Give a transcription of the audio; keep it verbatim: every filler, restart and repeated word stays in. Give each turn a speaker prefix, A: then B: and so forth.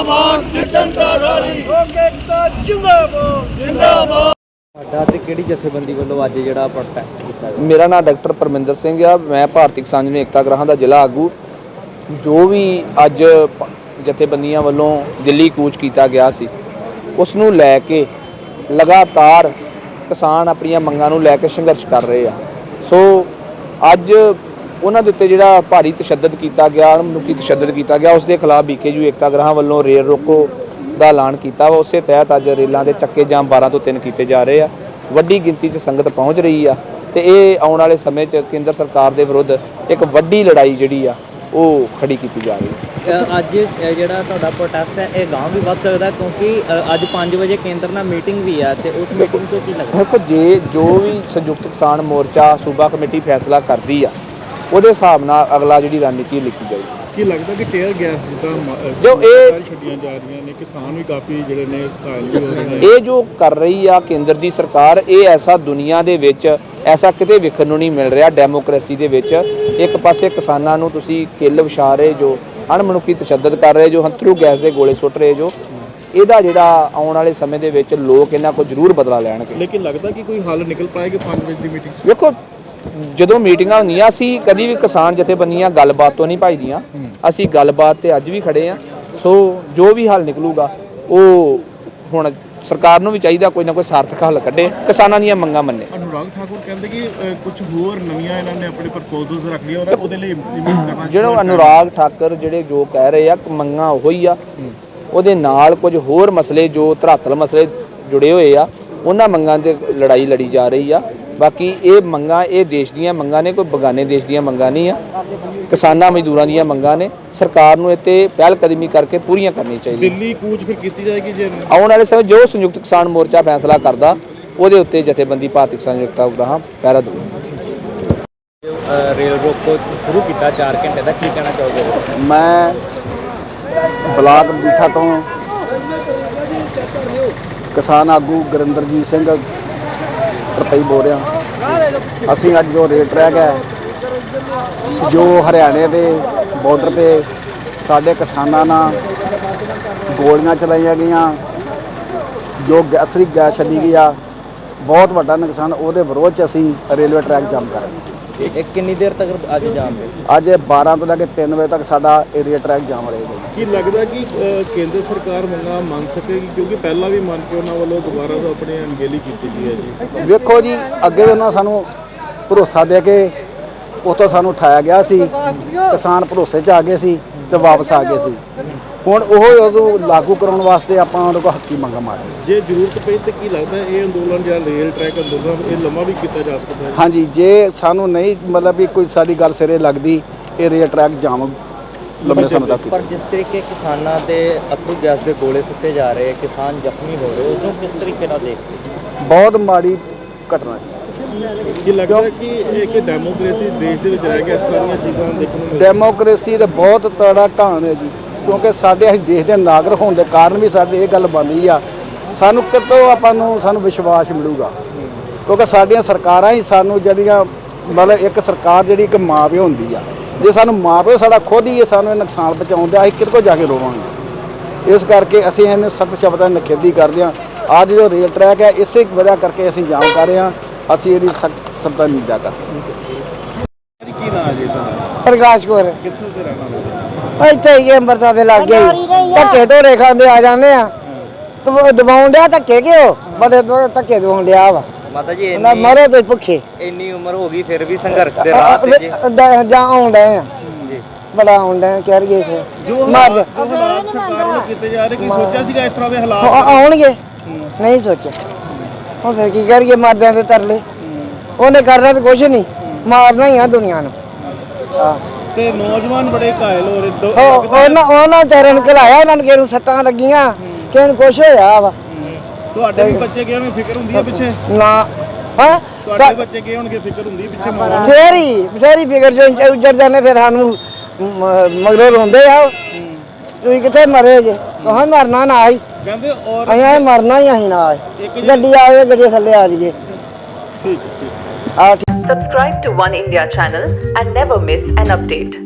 A: जिंदाबाद जनता रैली एकता जिंदाबाद जिंदाबाद। ਤੁਹਾਡਾ ਤੇ ਕਿਹੜੀ ਜਥੇਬੰਦੀ ਵੱਲੋਂ ਅੱਜ ਜਿਹੜਾ ਪ੍ਰੋਟੈਸਟ ਕੀਤਾ ਗਿਆ?
B: ਮੇਰਾ ਨਾਮ ਡਾਕਟਰ ਪਰਮਿੰਦਰ ਸਿੰਘ ਆ। ਮੈਂ ਭਾਰਤੀ ਕਿਸਾਨ ਯੂਨੀਅਨ ਏਕਤਾ ਗ੍ਰਾਹਾਂ ਦਾ ਜ਼ਿਲ੍ਹਾ ਆਗੂ। ਜੋ ਵੀ ਅੱਜ ਜਥੇਬੰਦੀਆਂ ਵੱਲੋਂ ਦਿੱਲੀ ਕੂਚ ਕੀਤਾ ਗਿਆ ਸੀ ਉਸ ਨੂੰ ਲੈ ਕੇ ਲਗਾਤਾਰ ਕਿਸਾਨ ਆਪਣੀਆਂ ਮੰਗਾਂ ਨੂੰ ਲੈ ਕੇ ਸੰਘਰਸ਼ ਕਰ ਰਹੇ ਆ। ਸੋ ਅੱਜ ਉਹਨਾਂ ਦੇ ਉੱਤੇ ਜਿਹੜਾ ਭਾਰੀ ਤਸ਼ੱਦਦ ਕੀਤਾ ਗਿਆ, ਮਨੁੱਖੀ ਤਸ਼ੱਦਦ ਕੀਤਾ ਗਿਆ, ਉਸ ਦੇ ਖਿਲਾਫ ਬੀਕੇਯੂ ਏਕਤਾ ਗ੍ਰਾਹਾਂ ਵੱਲੋਂ ਰੇਲ ਰੋਕੋ ਦਾ ਐਲਾਨ ਕੀਤਾ ਵਾ। ਉਸੇ ਤਹਿਤ ਅੱਜ ਰੇਲਾਂ ਦੇ ਚੱਕੇ ਜਾਮ ਬਾਰਾਂ ਤੋਂ ਤਿੰਨ ਕੀਤੇ ਜਾ ਰਹੇ ਆ। ਵੱਡੀ ਗਿਣਤੀ 'ਚ ਸੰਗਤ ਪਹੁੰਚ ਰਹੀ ਆ ਤੇ ਇਹ ਆਉਣ ਵਾਲੇ ਸਮੇਂ 'ਚ ਕੇਂਦਰ ਸਰਕਾਰ ਦੇ ਵਿਰੁੱਧ ਇੱਕ ਵੱਡੀ ਲੜਾਈ ਜਿਹੜੀ ਆ ਉਹ ਖੜੀ ਕੀਤੀ ਜਾ ਰਹੀ ਹੈ।
A: ਅੱਜ ਜਿਹੜਾ ਤੁਹਾਡਾ ਪ੍ਰੋਟੈਸਟ ਹੈ ਇਹ ਗਾਂਵ ਵੀ ਵੱਧ ਸਕਦਾ ਕਿਉਂਕਿ ਅੱਜ ਪੰਜ ਵਜੇ ਕੇਂਦਰ ਨਾਲ ਮੀਟਿੰਗ ਵੀ ਆ ਤੇ ਉਸ ਮੀਟਿੰਗ ਤੋਂ ਕੀ ਲੱਗਦਾ?
B: ਦੇਖੋ, ਜੇ ਜੋ ਵੀ ਸੰਯੁਕਤ ਕਿਸਾਨ ਮੋਰਚਾ ਸੂਬਾ ਕਮੇਟੀ ਫੈਸਲਾ ਕਰਦੀ ਆ ਉਹਦੇ ਹਿਸਾਬ ਨਾਲ ਅਗਲਾ ਜਿਹੜੀ ਰਣਨੀਤੀ ਲਿਖੀ ਜਾਏਗੀ।
C: ਕੀ ਲੱਗਦਾ ਕਿ ਟੇਅਰ ਗੈਸ
B: ਜੋ ਇਹ
C: ਛੱਡੀਆਂ ਜਾ ਰਹੀਆਂ ਨੇ, ਕਿਸਾਨ ਵੀ ਕਾਫੀ ਜਿਹੜੇ ਨੇ ਘਾਇਲ ਵੀ ਹੋ ਰਹੇ ਨੇ,
B: ਇਹ ਜੋ ਕਰ ਰਹੀ ਆ ਕੇਂਦਰ ਦੀ ਸਰਕਾਰ, ਇਹ ਐਸਾ ਦੁਨੀਆ ਦੇ ਵਿੱਚ ਐਸਾ ਕਿਤੇ ਵੇਖਣ ਨੂੰ ਨਹੀਂ ਮਿਲ ਰਿਹਾ। ਡੈਮੋਕ੍ਰੇਸੀ ਦੇ ਵਿੱਚ ਇੱਕ ਪਾਸੇ ਕਿਸਾਨਾਂ ਨੂੰ ਤੁਸੀਂ ਕਿੱਲ ਵਿਛਾ ਰਹੇ ਜੋ, ਅਣਮਨੁੱਖੀ ਤਸ਼ੱਦਦ ਕਰ ਰਹੇ ਜੋ, ਹੰਥਰੂ ਗੈਸ ਦੇ ਗੋਲੇ ਸੁੱਟ ਰਹੇ ਜੋ, ਇਹਦਾ ਜਿਹੜਾ ਆਉਣ ਵਾਲੇ ਸਮੇਂ ਦੇ ਵਿੱਚ ਲੋਕ ਇਹਨਾਂ ਕੋਲ ਜ਼ਰੂਰ ਬਦਲਾ ਲੈਣਗੇ।
C: ਲੇਕਿਨ ਲੱਗਦਾ ਕਿ ਕੋਈ ਹੱਲ ਨਿਕਲ ਪਾਏਗਾ ਪੰਜ ਵਜੇ ਦੀ ਮੀਟਿੰਗ?
B: ਵੇਖੋ, ਜਦੋਂ ਮੀਟਿੰਗਾਂ ਹੁੰਦੀਆਂ ਅਸੀਂ ਕਦੀ ਵੀ ਕਿਸਾਨ ਜਥੇਬੰਦੀਆਂ ਗੱਲਬਾਤ ਤੋਂ ਨਹੀਂ ਭੱਜਦੀਆਂ। ਅਸੀਂ ਗੱਲਬਾਤ ਤੇ ਅੱਜ ਵੀ ਖੜੇ ਆ। ਸੋ ਜੋ ਵੀ ਹੱਲ ਨਿਕਲੂਗਾ ਉਹ ਹੁਣ ਸਰਕਾਰ ਨੂੰ ਵੀ ਚਾਹੀਦਾ ਕੋਈ ਨਾ ਕੋਈ ਸਾਰਥਕ ਹੱਲ ਕੱਢੇ, ਕਿਸਾਨਾਂ ਦੀਆਂ ਮੰਗਾਂ ਮੰਨੇ।
C: ਅਨੁਰਾਗ ਠਾਕੁਰ ਕਹਿੰਦੇ ਕਿ ਕੁਝ ਹੋਰ ਨਵੀਆਂ ਇਹਨਾਂ ਨੇ ਆਪਣੇ ਪ੍ਰਪੋਜ਼ਲਸ ਰੱਖ ਲਈਆਂ ਔਰ ਉਹਦੇ ਲਈ ਇੰਪਲੀਮੈਂਟ ਕਰਨਾ।
B: ਜਿਹੜਾ ਅਨੁਰਾਗ ਠਾਕੁਰ ਜਿਹੜੇ ਜੋ ਕਹਿ ਰਹੇ ਆ ਮੰਗਾਂ ਉਹੀ ਆ, ਉਹਦੇ ਨਾਲ ਕੁਝ ਹੋਰ ਮਸਲੇ ਜੋ ਧਰਾਤਲ ਮਸਲੇ ਜੁੜੇ ਹੋਏ ਆ ਉਹਨਾਂ ਮੰਗਾਂ ਤੇ ਲੜਾਈ ਲੜੀ ਜਾ ਰਹੀ ਆ। ਬਾਕੀ ਇਹ ਮੰਗਾਂ ਇਹ ਦੇਸ਼ ਦੀਆਂ ਮੰਗਾਂ ਨੇ, ਕੋਈ ਬਗਾਨੇ ਦੇਸ਼ ਦੀਆਂ ਮੰਗਾਂ ਨਹੀਂ ਆ। ਕਿਸਾਨਾਂ ਮਜ਼ਦੂਰਾਂ ਦੀਆਂ ਮੰਗਾਂ ਨੇ। ਸਰਕਾਰ ਨੂੰ ਇਹ 'ਤੇ ਪਹਿਲ ਕਦਮੀ ਕਰਕੇ ਪੂਰੀਆਂ ਕਰਨੀਆਂ ਚਾਹੀਦੀਆਂ।
C: ਦਿੱਲੀ ਕੂਚ ਫਿਰ ਕੀਤੀ ਜਾਏਗੀ ਜੇ
B: ਆਉਣ ਵਾਲੇ ਸਮੇਂ ਜੋ ਸੰਯੁਕਤ ਕਿਸਾਨ ਮੋਰਚਾ ਫੈਸਲਾ ਕਰਦਾ ਉਹਦੇ ਉੱਤੇ ਜਥੇਬੰਦੀ ਭਾਰਤੀ ਕਿਸਾਨ ਏਕਤਾ ਗ੍ਰਾਹਾਂ ਪਹਿਰਾ ਦਊ।
A: ਰੇਲ ਰੋਕੋ ਸ਼ੁਰੂ ਕੀਤਾ ਚਾਰ ਘੰਟੇ ਦਾ, ਕੀ ਕਹਿਣਾ ਚਾਹੋਗੇ?
D: ਮੈਂ ਬਲਾਕ ਮਜੀਠਾ ਤੋਂ ਕਿਸਾਨ ਆਗੂ ਗੁਰਿੰਦਰਜੀਤ ਸਿੰਘ ਰੁਪਈ ਬੋਲ ਰਿਹਾ। ਅਸੀਂ ਅੱਜ ਜੋ ਰੇਲ ਟਰੈਕ ਹੈ ਜੋ ਹਰਿਆਣੇ ਦੇ ਬਾਰਡਰ ਤੇ ਸਾਡੇ ਕਿਸਾਨਾਂ ਨਾਲ ਗੋਲੀਆਂ ਚਲਾਈਆਂ ਗਈਆਂ, ਜੋ ਅਸਲੀ ਗੈਸ ਛੱਡੀ ਗਈ ਆ, ਬਹੁਤ ਵੱਡਾ ਨੁਕਸਾਨ, ਉਹਦੇ ਵਿਰੋਧ 'ਚ ਅਸੀਂ ਰੇਲਵੇ ਟਰੈਕ ਜਾਮ ਕਰਾਂਗੇ।
A: ਇਹ ਕਿੰਨੀ ਦੇਰ ਤੱਕ ਅੱਜ ਜਾਮ ਹੈ?
D: ਅੱਜ ਬਾਰਾਂ ਤੋਂ ਲੈ ਕੇ ਤਿੰਨ ਵਜੇ ਤੱਕ ਸਾਡਾ ਏਰੀਆ ਟਰੈਕ ਜਾਮ ਰਹੇਗਾ।
C: ਕੀ ਲੱਗਦਾ ਕਿ ਕੇਂਦਰ ਸਰਕਾਰ ਮੰਗਾਂ ਮੰਨ ਸਕੇਗੀ? ਕਿਉਂਕਿ ਪਹਿਲਾਂ ਵੀ ਮੰਨ ਕੇ ਉਹਨਾਂ ਵੱਲੋਂ ਦੁਬਾਰਾ ਤੋਂ ਆਪਣੀ ਅਣਗਹਿਲੀ ਕੀਤੀ ਗਈ ਹੈ ਜੀ।
D: ਵੇਖੋ ਜੀ, ਅੱਗੇ ਉਹਨਾਂ ਸਾਨੂੰ ਭਰੋਸਾ ਦੇ ਕੇ ਉੱਥੋਂ ਸਾਨੂੰ ਉਠਾਇਆ ਗਿਆ ਸੀ, ਕਿਸਾਨ ਭਰੋਸੇ 'ਚ ਆ ਗਏ ਸੀ ਤੇ ਵਾਪਸ ਆ ਗਏ ਸੀ। ਹੁਣ ਉਹ ਉਦੋਂ ਲਾਗੂ ਕਰਾਉਣ ਵਾਸਤੇ ਆਪਾਂ ਉਹਨਾਂ ਕੋਲ ਹੱਕੀ ਮੰਗਾਂ ਮਾਰੀ।
C: ਜੇ ਜ਼ਰੂਰਤ ਪਈ ਤਾਂ ਕੀ ਲੱਗਦਾ ਇਹ ਅੰਦੋਲਨ ਜਾਂ ਰੇਲ ਟਰੈਕ ਅੰਦੋਲਨ ਇਹ ਲੰਮਾ ਵੀ ਕੀਤਾ ਜਾ ਸਕਦਾ ਹੈ?
D: ਹਾਂਜੀ, ਜੇ ਸਾਨੂੰ ਨਹੀਂ ਮਤਲਬ ਵੀ ਕੋਈ ਸਾਡੀ ਗੱਲ ਸਿਰੇ ਲੱਗਦੀ, ਇਹ ਰੇਲ ਟਰੈਕ ਜਾਮ ਲੰਮੇ ਸਮੇਂ ਤੱਕ।
A: ਪਰ ਜਿਸ ਤਰੀਕੇ ਕਿਸਾਨਾਂ ਦੇ ਅਥਰੂ ਗੈਸ ਦੇ ਗੋਲੇ ਸੁੱਟੇ ਜਾ ਰਹੇ, ਕਿਸਾਨ ਜ਼ਖਮੀ ਹੋ ਰਹੇ, ਉਸ ਨੂੰ ਕਿਸ ਤਰੀਕੇ ਨਾਲ ਦੇਖਦੇ?
D: ਬਹੁਤ ਮਾੜੀ ਘਟਨਾ ਹੈ।
C: ਕੀ ਲੱਗਦਾ ਕਿ ਇਹ ਕਿ ਡੈਮੋਕ੍ਰੇਸੀ ਦੇਸ਼ ਦੇ ਵਿੱਚ ਰਹਿ ਕੇ ਇਸ ਤਰ੍ਹਾਂ ਦੀਆਂ ਚੀਜ਼ਾਂ ਦੇਖਣ ਨੂੰ ਮਿਲਦੀਆਂ?
D: ਡੈਮੋਕ੍ਰੇਸੀ ਦਾ ਬਹੁਤ ਤੜਾ ਘਾਣ ਹੈ ਜੀ, ਕਿਉਂਕਿ ਸਾਡੇ ਅਸੀਂ ਦੇਸ਼ ਦੇ ਨਾਗਰਿਕ ਹੋਣ ਦੇ ਕਾਰਨ ਵੀ ਸਾਡੇ ਇਹ ਗੱਲ ਬਣ ਰਹੀ ਆ। ਸਾਨੂੰ ਕਿਤੋਂ ਆਪਾਂ ਨੂੰ ਸਾਨੂੰ ਵਿਸ਼ਵਾਸ ਮਿਲੂਗਾ, ਕਿਉਂਕਿ ਸਾਡੀਆਂ ਸਰਕਾਰਾਂ ਹੀ ਸਾਨੂੰ ਜਿਹੜੀਆਂ ਮਤਲਬ ਇੱਕ ਸਰਕਾਰ ਜਿਹੜੀ ਇੱਕ ਮਾਂ ਪਿਓ ਹੁੰਦੀ ਆ, ਜੇ ਸਾਨੂੰ ਮਾਂ ਪਿਓ ਸਾਡਾ ਖੁਦ ਹੀ ਇਹ ਸਾਨੂੰ ਇਹ ਨੁਕਸਾਨ ਪਹੁੰਚਾਉਂਦਾ, ਅਸੀਂ ਕਿਹਦੇ ਕੋਲ ਜਾ ਕੇ ਰੋਵਾਂਗੇ। ਇਸ ਕਰਕੇ ਅਸੀਂ ਇਹਨੂੰ ਸਖਤ ਸ਼ਬਦਾਂ ਨਾਲ ਨਿਖੇਧੀ ਕਰਦੇ ਹਾਂ। ਅੱਜ ਜੋ ਰੇਲ ਟਰੈਕ ਹੈ ਇਸੇ ਵਜ੍ਹਾ ਕਰਕੇ ਅਸੀਂ ਜਾਮ ਕਰ ਰਹੇ ਹਾਂ, ਅਸੀਂ ਇਹਦੀ ਸਖਤ ਸ਼ਬਦਾਂ ਨਾਲ ਨਿੰਦਾ ਕਰਦੇ ਹਾਂ।
C: ਕੀ ਨਾਮ ਹੈ ਜੀ ਤੁਹਾਡਾ?
D: ਪ੍ਰਕਾਸ਼ ਕੌਰ
C: ਕਿੱਥੋਂ ਦੇ ਰਹਿਣ ਵਾਲੇ?
D: ਇੱਥੇ ਹੀ ਅੰਮ੍ਰਿਤਸਰ ਦੇ ਲੱਗ ਗਏ, ਧੱਕੇ ਧੋਰੇ ਖਾਂਦੇ ਆ ਜਾਂਦੇ ਆ। ਦਬਾਉਣ ਡਿਆ ਧੱਕੇ ਕਿਉਂ ਬੜੇ ਧੱਕੇ ਦਵਾਉਣ ਡਿਆ ਵਾ।
A: ਮਾਤਾ ਜੀ
D: ਨਾ ਮਰੋ ਤੇ ਭੁੱਖੇ,
A: ਇੰਨੀ ਉਮਰ ਹੋ ਗਈ ਫਿਰ ਵੀ ਸੰਘਰਸ਼ ਦੇ ਰਾਹ ਤੇ ਜੀ
D: ਜਾਂ ਆਉਂਦੇ ਆ ਬੜਾ ਆਉਂਦੇ ਕਹਿ ਰਹੀਏ ਫਿਰ
C: ਜੋ ਹਾਲਾਤ ਸਰਕਾਰ ਨੂੰ ਕੀਤੇ ਜਾ ਰਹੇ, ਕੀ ਸੋਚਿਆ ਸੀਗਾ ਇਸ ਤਰ੍ਹਾਂ ਦੇ ਹਾਲਾਤ
D: ਆਉਣਗੇ? ਨਹੀਂ ਸੋਚਿਆ। ਹੁਣ ਫਿਰ ਕੀ ਕਰੀਏ, ਮਰਦਿਆਂ ਦੇ ਤਰਲੇ। ਉਹਨੇ ਕਰਨਾ ਤਾਂ ਕੁਛ ਨਹੀਂ, ਮਾਰਨਾ ਹੀ ਆ ਦੁਨੀਆ ਨੂੰ।
C: ਤੇ ਨੌਜਵਾਨ ਬੜੇ ਘਾਇਲ ਹੋ ਰਹੇ।
D: ਉਹਨਾਂ ਉਹਨਾਂ ਤੇਰੇ ਨੂੰ ਘਲਾਇਆ, ਉਹਨਾਂ ਨੂੰ ਕਿਹਨੂੰ ਸੱਟਾਂ ਲੱਗੀਆਂ, ਕਿਸੇ ਨੂੰ ਕੁਛ ਹੋਇਆ ਵਾ।
C: ਤੁਹਾਡੇ ਵੀ ਬੱਚੇ ਗਏ ਹੋਣਗੇ, ਫਿਕਰ ਹੁੰਦੀ ਹੈ ਪਿੱਛੇ?
D: ਨਾ ਹਾਂ,
C: ਤੁਹਾਡੇ ਬੱਚੇ ਗਏ ਹੋਣਗੇ, ਫਿਕਰ ਹੁੰਦੀ ਪਿੱਛੇ ਮਾਂ?
D: ਫੇਰੀ ਫੇਰੀ ਫਿਕਰ ਜੋ ਉੱਜੜ ਜਾਂਦੇ ਫਿਰ ਸਾਨੂੰ ਮਗਰੋਂ ਰੋਂਦੇ ਆ। ਤੁਸੀਂ ਕਿੱਥੇ ਮਰੇ ਜੇ? ਕਹਾਂ ਮਰਨਾ ਨਾ ਹੀ
C: ਕਹਿੰਦੇ ਔਰ
D: ਅਸੀਂ ਮਰਨਾ ਹੀ ਅਸੀਂ ਨਾਲ ਗੱਡੀ ਆਵੇ, ਗੱਡੀ ਥੱਲੇ ਆ ਜਾਈਏ।
C: ਠੀਕ ਠੀਕ।
D: ਆ
E: Subscribe to One India channel and never miss an update.